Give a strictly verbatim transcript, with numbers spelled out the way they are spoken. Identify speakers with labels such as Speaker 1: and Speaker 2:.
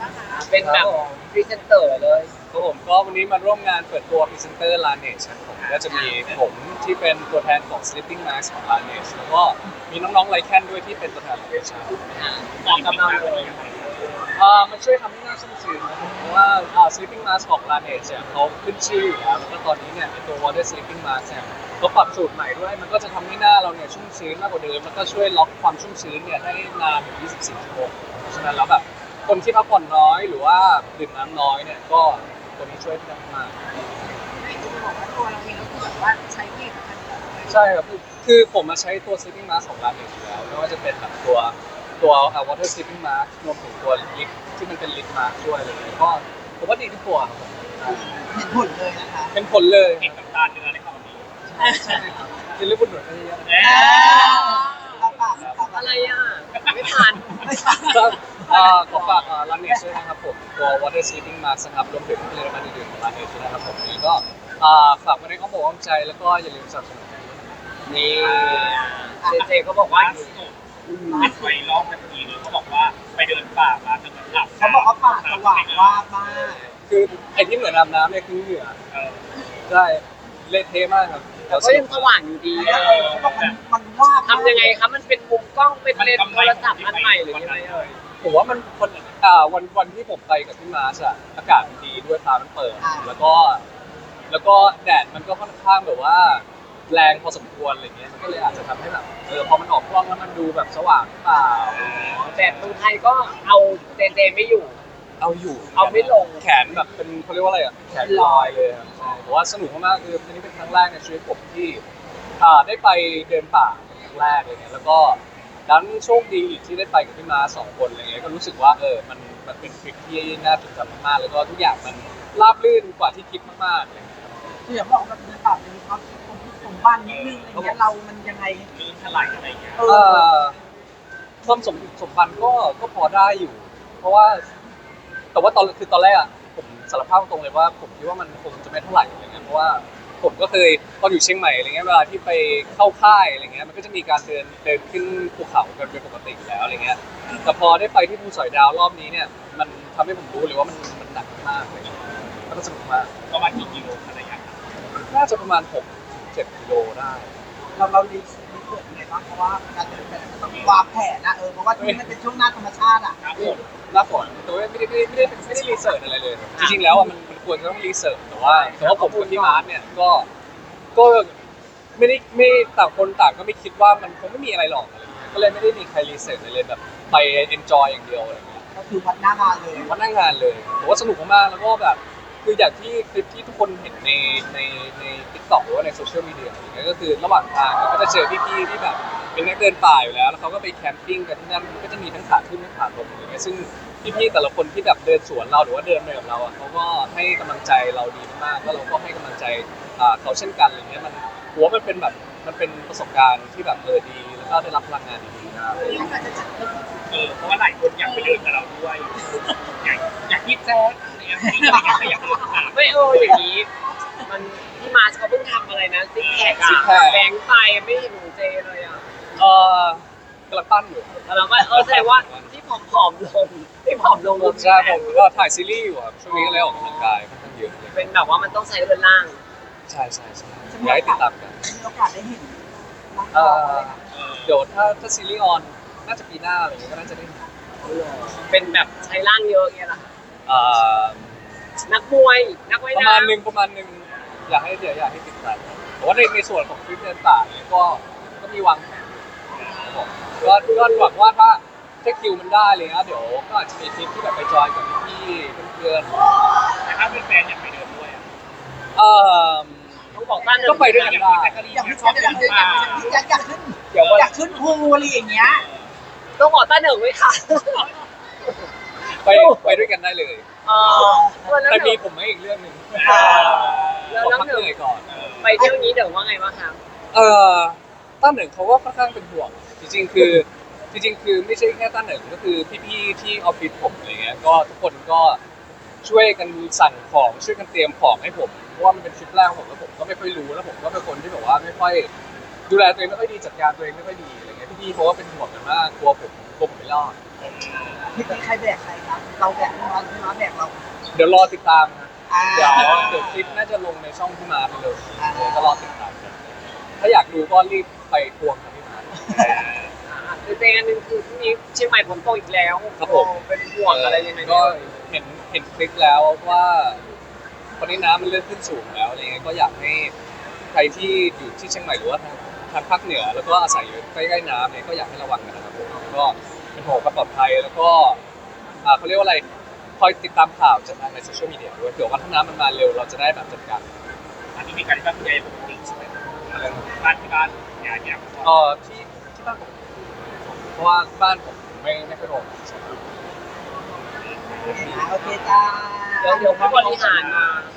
Speaker 1: เป็นแบบพรีเซนเตอร์เลย
Speaker 2: ครับผมก็วันนี้มาร่วมงานเปิดตัวพรีเซนเตอร์ Laneige ครับผมก็จะมีผมที่เป็นตัวแทนของ Sleeping Mask ของ Laneige แล้วก็มีน้องๆไลแคนด้วยที่เป็นตัวแทนของเอชาร์
Speaker 1: เหมาะกับเราเลย
Speaker 2: อ่ามันช่วยทำให้หน้าชุ่มชื้นนะครับเพราะว่าอ่า Sleeping Mask ของ Laneige เนี่ยเขาขึ้นชื่ออยู่แล้วแล้วก็ตอนนี้เนี่ยตัว Water Sleeping Mask เนี่ยเขาปรับสูตรใหม่ด้วยมันก็จะทำให้หน้าเราเนี่ยชุ่มชื้นมากกว่าเดิมแล้วก็ช่วยล็อกความชุ่มชื้นเนี่ยได้นานถึงยี่สิบสี่ชั่วโมงเพราะฉะนั้นแล้วแบบคนที่พักผ่อนน้อยหรือว่าดื่มน้ำน้อยเนี่ยก็ตัวนี้ช่วยได้มาก
Speaker 3: ไม่จะบอกว่าตัวเราเองก็คือแบบว่าใช้ผลิตภัณฑ์
Speaker 2: ใช่ครับคือคือผมมาใช้ตัว sleeping mask ของ Laneige อยู่แล้วไม่ว่าจะเป็นแบบตัวตัว water sleeping mask รวมถึงตัวลิปที่มันเป็นลิปมาสด้วยเลยก็ผมว่าดีทุกตัวครับผม
Speaker 3: เห็นผลเลยนะคะ
Speaker 2: เป็นผลเลย
Speaker 4: เห็นกับตาเนื้อในคำนี้
Speaker 2: ใช่ครับกินลิปบุญหนุนได้เยอะ
Speaker 3: เราปากปาก
Speaker 1: อะไรอ่ะไม่ทัน
Speaker 2: ก็เอ่อขอฝาก Laneige ด้วยนะครับผมตัว water sleeping mask นะครับรวมถึงผลิตภัณฑ์อื่นๆของ Laneige ด้วยนะครับผมนี้ก็อ่าฝากไว้ในอ้อมอกอ้อมใจแล้วก็อย่าลืมสนับสนุน
Speaker 1: นี่เจเจเขาบอกว่า
Speaker 4: ล่าสุดอัดไว้รอบนาทีนึงเขาบอกว่าไปเดินป่ามาจนเหมือนหลับ
Speaker 3: เขาบอกว่าปากสว่างว่าบมาก
Speaker 2: คือไอ้ที่เหมือนอาบน้ำเนี่ยคือเหงื่อ
Speaker 4: เออ
Speaker 2: ใช่เละเทะมากครับ
Speaker 1: แต่ก็ยังสว่างอยู่ดี
Speaker 3: เออเขาบอกมันมันว่าบ
Speaker 1: ทำยังไงครับมันเป็นมุมกล้องเป็นเลนส์โทรศัพท์อันใหม่หรือยังไงเอ่ย
Speaker 2: ผมว่ามันคนอ่าวันวันที่ผมไปกับพี่มาร์ชอะอากาศมันดีด้วยฟ้ามันเปิด แล้วก็ แล้วก็แดดมันก็ค่อนข้างแบบว่าแรงพอสมควรอะไรเงี้ยมันก็เลยอาจจะทำให้แบบเออพอมันออกกล้องแล้วมันดูแบบสว่างหรือเปล่า
Speaker 1: แต่เมืองไทยก็เอาเจเจไม่อยู่
Speaker 2: เอาอยู่
Speaker 1: เอาไม่ลง
Speaker 2: แขนแบบเป็นเขาเรียกว่าอะไรอะแขนลอยเลยครับใช่เพราะว่าสนุกมากๆคืออันนี้เป็นครั้งแรกในชีวิตผมที่อ่าได้ไปเดินป่าเป็นครั้งแรกอะไรเงี้ยแล้วก็ดันโชคดีอีกที่ได้ไปกับพี่มาสองคนอะไรเงี้ยก็รู้สึกว่าเออมันมันเป็นทริปที่น่าจดจำมากๆแล้วก็ทุกอย่างมันราบรื่นกว่าที่คิดมากๆเลย
Speaker 3: คืออย่างบอกแบบเดินป่าเป็นความสมบัตินิดนึงอะไรเงี้ยเรามันยังไง
Speaker 4: ลื่นถลายอะไรอย่างเงี้ย
Speaker 3: เอ
Speaker 2: เอ่
Speaker 3: อ
Speaker 2: อความสมสมพันธ์ก็ก็พอได้อยู่ เพราะว่าแต่ว่าตอนคือตอนแรกอะผมสารภาพตรงเลยว่าผมคิดว่ามันคงจะไม่เท่าไหร่อะไรเงี้ยเพราะว่าผมก็เคยตอนอยู่เชียงใหม่อะไรเงี้ยเวลาที่ไปเข้าค่ายอะไรเงี้ยมันก็จะมีการเดินเดินขึ้นภูเขากันเป็นปกติอยู่แล้วอะไรเงี้ยแต่พอได้ไปที่ภูสอยดาวรอบนี้เนี่ยมันทำให้ผมรู้เลยว่ามันมันหนักมากเลยแล้วก็สนุกมาก
Speaker 4: ประมาณกี่กิโลอะไรอย่างเงี้ย
Speaker 2: น่าจะประมาณหกเจ็ดกิโลได้
Speaker 3: เราเราดีดีเกิดยังไงบ้างเพราะว่าการเดินแบบมันต้องวางแผนนะเออเพราะว่าที่มันเป็นช่วงหน้าธรรมชาติอ่ะ
Speaker 4: ครับผม
Speaker 2: หน้าฝนแต่ว่าไม่ได้ไม่ได้ไม่ได้ไม่ได้รีเสิร์ชอะไรเลย จริงๆแล้วอ่ะมันมันควรจะต้องรีเสิร์ชแต่ว่าแต่ว่าผมกับพี่มาร์ทเนี่ยก็ก็ไม่ได้ไม่ต่างคนต่างก็ไม่คิดว่ามันคงไม่มีอะไรหรอกอะไรเงี้ยก็เลยไม่ได้มีใครรีเสิร์ชอะไรเลยแบบไปเอนจอยอย่างเดียวอะไรเงี้ย
Speaker 3: ก็คือวัดหน้างานเลย
Speaker 2: วันนั่งงานเลยแต่ว่าสนุกมากๆแล้วก็แบบคืออย่างที่คลิปที่ทุกคนเห็นในในในทิกตอกหรือว่าในโซเชียลมีเดียอย่างเงี้ยก็คือระหว่างทางก็จะเจอพี่ๆที่แบบเป็นนักเดินป่าอยู่แล้วแล้วเขาก็ไปแคมปิ้งกันที่นั่นมันก็จะมีทั้งขาขึ้นทั้งขาลงอะไรเงี้ยซึ่งพี่ๆแต่ละคนที่แบบเดินสวนเราหรือว่าเดินไปกับเราอ่ะเขาก็ให้กำลังใจเราดีมากแล้วเราก็ให้กำลังใจอ่าเขาเช่นกันอะไรเงี้ยมันหัวามันเป็นแบบมันเป็นประสบการณ์ที่แบบเออดีแล้วก็ได้รับพลังงานดีๆมาก
Speaker 3: ยังอาจจะจัดเป็น
Speaker 4: เออเพราะว่าหลายคนอยากไปเดินกับเราด้วยอยากอยากยิบแจ๊สอะไรอย่างเงี้ยอยากอยากเดินผ่าน
Speaker 1: ไม่เอออย่างนี้ มันพี่มาร์ชเขาเพิ่งทำอะไรนะซิกแพคอะแบงค์ไปไม่เห็นหนูเจเลยอะ
Speaker 2: เออกำลังปั้นอยู่
Speaker 1: แล้วก็เออแสดงว่าที่ผอมๆลงที่ผอมลง
Speaker 2: ผมใช่ผมก็ถ่ายซีรีส์อยู่ครับช่วงนี้ก็เลยออกกำลังกายค่อนข้างเยอะเลย
Speaker 1: เป็นแบบว่ามันต้องใช้เรือนล่าง
Speaker 2: ใช่ใช่ใช่อยากให้ติดตามกัน
Speaker 3: มีโอกาสได้เห็นน้อง
Speaker 2: เอ่
Speaker 3: ๆ
Speaker 2: อ
Speaker 3: อะไรนะ
Speaker 4: เออ
Speaker 2: เดี๋ยวถ้าถ้าซีรีส์ออนน่าจะปีหน้าอะไรอย่างเงี้ยก็น่าจะได้เห็น
Speaker 1: เป็นแบบใช้ร่างเยอะเงี้ยเหรอคะ
Speaker 2: เอ่อ
Speaker 1: นักมวยนักว่าย
Speaker 2: ประ
Speaker 1: น้ำ
Speaker 2: มาณหนึ่งประมาณหนึ่งอยากให้เดี๋ยวอยากให้ติดตามครับแต่ว่าในในส่วนของคลิปเดินป่าเนี่ยก็ก็มีวางแผนครับผมก็ก็หวังว่าถ้าถ้าคิวมันได้เลยนะเดี๋ยวก็อาจจะมีทริปที่แบบไปจอยกับพี่ๆเพื่อน
Speaker 4: แต่ถ้าเป็นแฟนอยากไปเดินด้วยอ่ะ
Speaker 2: ๆเอ่อ
Speaker 1: ต้องบอกต้าน
Speaker 2: ก็ไปด้วยกันได้
Speaker 3: อยากขึ้นอยากขึ้นอยากขึ้นอยากอยากขึ้น
Speaker 1: เดี๋ยวว่า
Speaker 3: อยากขึ้นภูอะไรอย่างเงี้ย
Speaker 1: ต้องบอกต้าเหนึ่งไว้ค่ะ
Speaker 2: ไปไปด้วยกันได้เลย
Speaker 1: เออแล้ว
Speaker 2: แต่
Speaker 1: เดี๋
Speaker 2: มี
Speaker 1: ยว
Speaker 2: ผมให้อีกเรื่องหนึ่ง
Speaker 1: แล้ว
Speaker 2: ขอ
Speaker 1: แล้ว
Speaker 2: พัก
Speaker 1: หนึ่
Speaker 2: เห
Speaker 1: ง
Speaker 2: นื่อยก่อน
Speaker 1: ไปเที่ยวนี้เดี๋ยวว่าไงบ้างคะ
Speaker 2: เอ่อต้าเหนึ่งเขาก็ค่อนข้างเป็นห่วงจริงๆคือจริงๆคือไม่ใช่แค่ต้าเหนึ่งก็คือพี่ๆที่ออฟฟิศผมอะไรเงี้ยก็ทุกคนก็ช่วยกันสั่งของช่วยกันเตรียมของให้ผมเพราะว่ามันเป็นทริปแรกของผมแล้วผมก็ไม่ค่อยรู้แล้วผมก็เป็นคนที่แบบว่าไม่ค่อยดูแลตัวเองไม่ค่อยดีจัดการตัวเองไม่ค่อยดีอะไรเงี้ยพี่ๆเขาก็เป็นห่วงกันมากกลัวผมกลัวผมไม่รอด
Speaker 3: พี่ใครแบกใครครับเราแบกพี่มาพี่มาแบกเรา
Speaker 2: เดี๋ยวรอติดตามนะ
Speaker 3: อ่า
Speaker 2: เดี๋ยวเดี๋ยวคลิปน่าจะลงในช่องพี่มาร์คไปเลย
Speaker 3: อ่า
Speaker 2: เดี๋ยวก็รอติดตามกันถ้าอยากดูก็รีบไปทวงกับพี่มาร์ค
Speaker 1: คือเจอันหนึงคือพรุ่งนี้เชียงใหม่ฝนตกอีกแล้ว
Speaker 2: ครับผม
Speaker 1: เป็นห่วงอะไรยังไง
Speaker 2: ก็
Speaker 1: ก็
Speaker 2: เห็นเห็นคลิปแล้วว่าตอนนี้น้ำมันเริ่มขึ้นสูงแล้วอะไรเงี้ยก็อยากให้ใครที่อยู่ที่เชียงใหม่หรือว่าทางทางภาคเหนือแล้วก็อาศัยอยู่ใกล้ๆน้ำเนี่ยก็อยากให้ระวังกันนะครับผมก็เป็นห่วงความปลอดภัยแล้วก็อ่าเขาเรียกว่าอะไรคอยติดตามข่าวจากทางในโซเชียลมีเดียด้วยเผื่อว่าถ้าน้ำมันมาเร็วเราจะได้แบบจัดการ
Speaker 4: อันนี้มีการที่บ้านคุณยายปกติใช่ไหม
Speaker 2: อะไรนะ
Speaker 4: บ้านที่บ้านยายเนี่ย
Speaker 2: เอ่อที่ที่บ้านผมเพราะว่าบ้านผมไม่ไม่ค่อยโดน
Speaker 3: โอเคจ้า
Speaker 1: เดี๋ยวเดี๋ยวผู้บริหารมา